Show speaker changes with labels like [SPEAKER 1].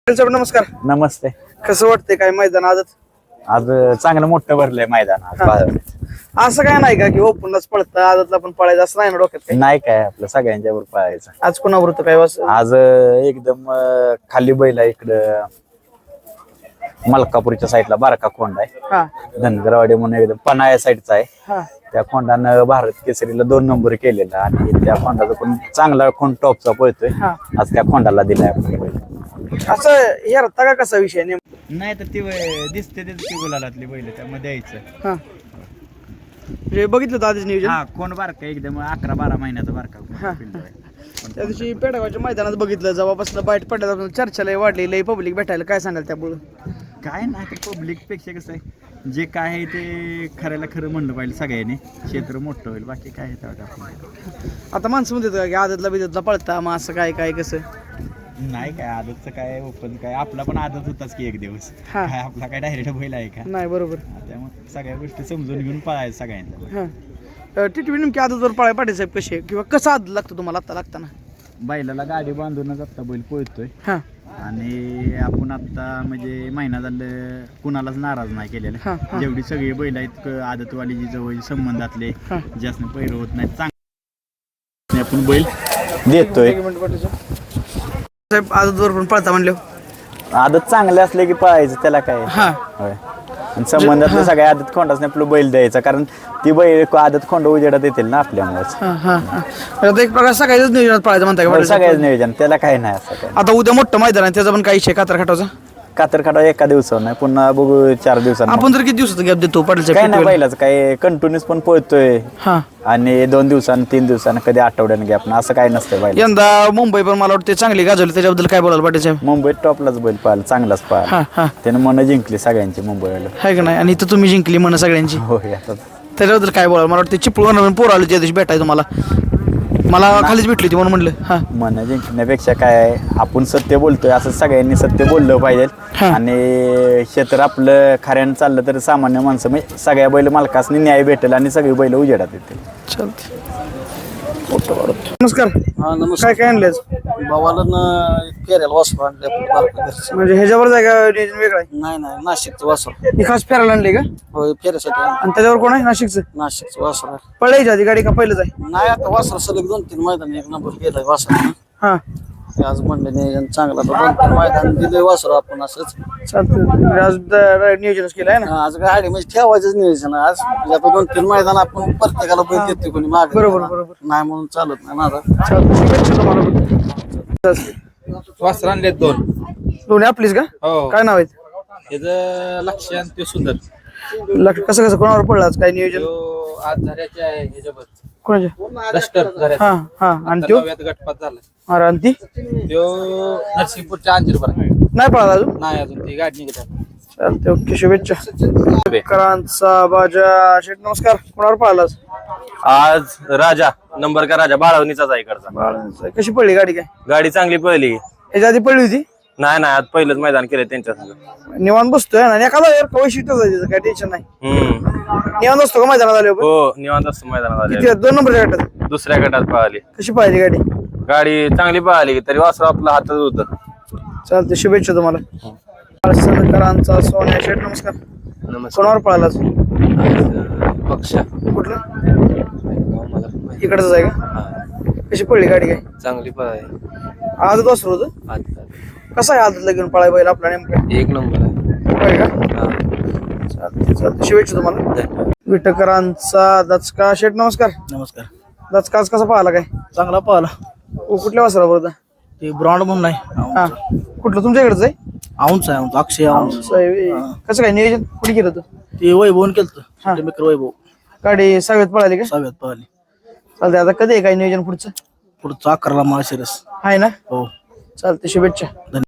[SPEAKER 1] साहेब नमस्कार.
[SPEAKER 2] नमस्ते.
[SPEAKER 1] कसं वाटतंय काय मैदान आजच?
[SPEAKER 2] आज चांगलं मोठं भरलंय मैदान आज बाजारात.
[SPEAKER 1] असं काय नाही का की ओपनलाच पळतं आजतला पण पळायचं असं नाही ना डोक्यात काही?
[SPEAKER 2] नाही काय आपलं सगळ्यांच्या वर पळायचं.
[SPEAKER 1] आज कोणावर होतं काय वास?
[SPEAKER 2] आज एकदम खाली बैल आहे इकडं मलकापूरच्या साईडला बारका खोंड आहे.
[SPEAKER 1] हा
[SPEAKER 2] धनगरवाडी म्हणून एकदम पन्हाळ्या साईडचा आहे.
[SPEAKER 1] हा
[SPEAKER 2] त्या खोंडानं भारत केसरीला 2 नंबर केलेला आणि त्या खोंडाचा पण चांगला खोंड टॉपचा पळतोय.
[SPEAKER 1] हा.
[SPEAKER 2] आज त्या खोंडाला दिलाय आपण बैल.
[SPEAKER 1] असं हे रत्ता का कसा विषय नेमका?
[SPEAKER 2] नाही तर ती दिसते ती गुलालातली बैल त्यामध्ये द्यायचं.
[SPEAKER 1] हा म्हणजे बघितलं होतं आधीच नियोजन?
[SPEAKER 2] हा कोण बारका एकदम 11-12 महिन्याचा बारका
[SPEAKER 1] हा.
[SPEAKER 2] पिल्लू आहे.
[SPEAKER 1] त्या दिवशी पेडगावच्या मैदानात बघितलं जेव्हापासून बाईट पडल्यापासून चर्चा लय वाढली, लय पब्लिक भेटायला. काय सांगाल त्यामुळं?
[SPEAKER 2] काय नाही पब्लिक पेक्षा कसं आहे जे काय आहे ते खऱ्याला खरं म्हणलं पाहिजे सगळ्यांनी. क्षेत्र मोठं होईल बाकी काय आहे तेवढं आपलं.
[SPEAKER 1] आता माणसं म्हणतात का की आदतला बिदतला पळता मग असं काय काय कसं?
[SPEAKER 2] नाही काय आदतचं काय ओपन काय आपला पण आदत होताच की एक दिवस.
[SPEAKER 1] हा.
[SPEAKER 2] काय आपला काय डायरेक्ट बैल आहे का?
[SPEAKER 1] नाही बरोबर.
[SPEAKER 2] त्यामुळे सगळ्या गोष्टी समजून घेऊन पळायचं सगळ्यांना.
[SPEAKER 1] हा टिटवी नेमकी आदतवर पळाय पाटील साहेब कशी आहे किंवा कसं आदत लागतो तुम्हाला आता लागताना?
[SPEAKER 2] बैलाला गाडी बांधूनच आता बैल पळतोय.
[SPEAKER 1] हा
[SPEAKER 2] आणि आपण आता म्हणजे महिना झालं कुणालाच नाराज नाही केलेलं.
[SPEAKER 1] हा, हा.
[SPEAKER 2] जेवढी सगळी बैल आहेत आदतवाली जी जवळ संबंधातले
[SPEAKER 1] हा.
[SPEAKER 2] जास्त पैर होत नाही चांगले आपण बैल देतोय.
[SPEAKER 1] एक मिनिट पाटील साहेब आदतवर पण पळता म्हणले.
[SPEAKER 2] आदत चांगले असले की पळायचं त्याला काय.
[SPEAKER 1] हा
[SPEAKER 2] होय. आणि संबंधातले सगळ्या आदत खोंडाच नाही आपलं बैल द्यायचा कारण ती बैल आदत खोंड उजेडात येतील ना आपल्यामुळेच.
[SPEAKER 1] हा हा हा. आता एक प्रकार सगळ्याच नियोजनात पळायचं म्हणताय का पाटील साहेब?
[SPEAKER 2] सगळ्याच नियोजन त्याला काय नाही असं काय.
[SPEAKER 1] आता उद्या मोठं मैदान आहे त्याचा पण काही विषय कातर खाटाचा?
[SPEAKER 2] कातर खाटा एका दिवसावर नाही पुन्हा बघू 4 दिवसांनी.
[SPEAKER 1] आपण जर किती दिवसाचा गॅप देतो पाटील
[SPEAKER 2] काय
[SPEAKER 1] साहेब?
[SPEAKER 2] नाही बैलाच काय कंटिन्यूस पण पळतोय
[SPEAKER 1] हा
[SPEAKER 2] आणि 2 दिवसांनी 3 दिवसांनी कधी आठवड्याने गॅप ना असं काय नसतं बैल.
[SPEAKER 1] यंदा मुंबई पण मला वाटतं चांगली गाजवली, त्याच्याबद्दल काय बोलाल पाटील साहेब?
[SPEAKER 2] मुंबईत टॉपलाच बैल पाहिला चांगलाच
[SPEAKER 1] हा
[SPEAKER 2] पाहिला.
[SPEAKER 1] हा
[SPEAKER 2] त्यानं मन जिंकली सगळ्यांची मुंबईला.
[SPEAKER 1] आहे का नाही? आणि इथं तुम्ही जिंकली म्हणा सगळ्यांची,
[SPEAKER 2] होय आता
[SPEAKER 1] त्याच्याबद्दल काय बोलाल? मला वाटतं चिपळूण पोर आलो त्या दिवशी भेटाय तुम्हाला, मला खालीच भेटली होती म्हणून म्हणलं. हा
[SPEAKER 2] मन जिंकण्यापेक्षा काय आहे, आपण सत्य बोलतोय असं सगळ्यांनी सत्य बोललं पाहिजे.
[SPEAKER 1] हा.
[SPEAKER 2] आणि क्षेत्र आपलं खऱ्यानं चाललं तर सामान्य माणसं म्हणजे सगळ्या बैल मालकासनी न्याय भेटेल आणि सगळी बैल उजेडात येतील.
[SPEAKER 1] चालते. नमस्कार.
[SPEAKER 3] हा नमस्कार.
[SPEAKER 1] काय काय आणले
[SPEAKER 3] भावाला फेरायला वासरू आणले
[SPEAKER 1] म्हणजे ह्याच्यावर जागा नियोजन वेगळं आहे?
[SPEAKER 3] नाही नाही नाशिकचं वासरू.
[SPEAKER 1] ही खास फेरायला आणली का?
[SPEAKER 3] होय फेऱ्यासाठी आणलं.
[SPEAKER 1] आणि त्याच्यावर कोण आहे नाशिकचं?
[SPEAKER 3] नाशिकचं वासरू आहे.
[SPEAKER 1] पळायच्या आधी गाडी का पहिलंच आहे?
[SPEAKER 3] नाही आता वासरू सलग 2-3 मैदान एक नंबर गेलाय वासरू.
[SPEAKER 1] हा
[SPEAKER 3] आज म्हणलं नियोजन चांगला 2-3 मैदान दिलंय वासरू आपण असंच.
[SPEAKER 1] चालतं. आज नियोजनच केलं आहे ना?
[SPEAKER 3] आज गाडी म्हणजे ठेवायचंच नियोजन आहे. आज म्हणजे आता 2-3 मैदान आपण प्रत्येकाला बैल देतो कोणी मागे
[SPEAKER 1] बरोबर, बरोबर.
[SPEAKER 3] नाही म्हणून चालत नाही ना.
[SPEAKER 1] चालतं. शुभेच्छा तुम्हाला.
[SPEAKER 4] वासर आणलेत 2.
[SPEAKER 1] दोन्ही आपलीच का?
[SPEAKER 4] हो
[SPEAKER 1] काय नाव आहेत?
[SPEAKER 4] त्याचं लक्ष आणि ते सुंदर
[SPEAKER 1] कसं कसं कोणावर पडलं आज काय नियोजन?
[SPEAKER 4] तो आज झऱ्याचे आहे ह्याच्यावर
[SPEAKER 1] कोणाच्या?
[SPEAKER 4] डस्टर झऱ्याचा.
[SPEAKER 1] हा हा. आणि तो
[SPEAKER 4] नव्यात गटपात झाला.
[SPEAKER 1] अरे आणि ती
[SPEAKER 4] तो नरसिंहपूरच्या अंजीरवर
[SPEAKER 1] नाही पळाला अजून?
[SPEAKER 4] नाही अजून ती गाडी निघत आहे.
[SPEAKER 1] चालते. ओके. शुभेच्छा. करांचा बाजा शेठ नमस्कार. कोणावर पळाला आज?
[SPEAKER 5] आज राजा नंबर का राजा बाळवणीचाच आहे इकडचा.
[SPEAKER 1] कशी पडली गाडी? काय
[SPEAKER 5] गाडी चांगली पळली.
[SPEAKER 1] याच्या आधी पडली होती?
[SPEAKER 5] नाही नाही आज पहिलंच मैदान केलं त्यांच्या संग.
[SPEAKER 1] निवांत बसतोय ना एखादा यार वैशिष्ट्यच आहे त्याचं, काय टेन्शन नाही. निवांत असतो का मैदानात आल्यावर?
[SPEAKER 5] हो निवांत असतो मैदानात
[SPEAKER 1] किती
[SPEAKER 5] आले.
[SPEAKER 1] 2 नंबरच्या गटात?
[SPEAKER 5] दुसऱ्या गटात पळाली
[SPEAKER 1] कशी पाहिली गाडी?
[SPEAKER 5] गाडी चांगली पळाली तरी वासरू आपला हातात होत.
[SPEAKER 1] चालते. शुभेच्छा तुम्हाला. करांचा सोन्या शेठ नमस्कार. कोणावर पळाला आज?
[SPEAKER 4] पक्ष
[SPEAKER 1] कुठलं? इकडच आहे का? कशी पडली गाडी? काय
[SPEAKER 4] चांगली पळाय
[SPEAKER 1] आजच वासरू होतं? कसं आहे आजला घेऊन पळाय बैल आपला नेमकं?
[SPEAKER 4] 1 नंबर आहे.
[SPEAKER 1] होय का? चालते चालते. शुभेच्छा तुम्हाला. विटकरांचा दचका शेठ नमस्कार.
[SPEAKER 3] नमस्कार.
[SPEAKER 1] दचका आज कसा पाहिला? काय
[SPEAKER 3] चांगला पाहिला.
[SPEAKER 1] कुठल्या वासरावर होता?
[SPEAKER 3] ते ब्रॉन्ड म्हणून नाही
[SPEAKER 1] हा कुठलं तुमच्या इकडचं आहे?
[SPEAKER 3] औंच आहे औंच अक्षय औंच.
[SPEAKER 1] कसं काय नियोजन कुठे केलं होतं?
[SPEAKER 3] ते वैभवून केलं
[SPEAKER 1] हा.
[SPEAKER 3] मित्र वैभव
[SPEAKER 1] गाडी सहाव्यात पळाली का?
[SPEAKER 3] 6व्यात पाहिली.
[SPEAKER 1] चालते. आता कधी आहे काय नियोजन पुढचं?
[SPEAKER 3] पुढचं 11ला माळशिरस
[SPEAKER 1] आहे ना?
[SPEAKER 3] हो.
[SPEAKER 1] चालते. शुभेच्छा.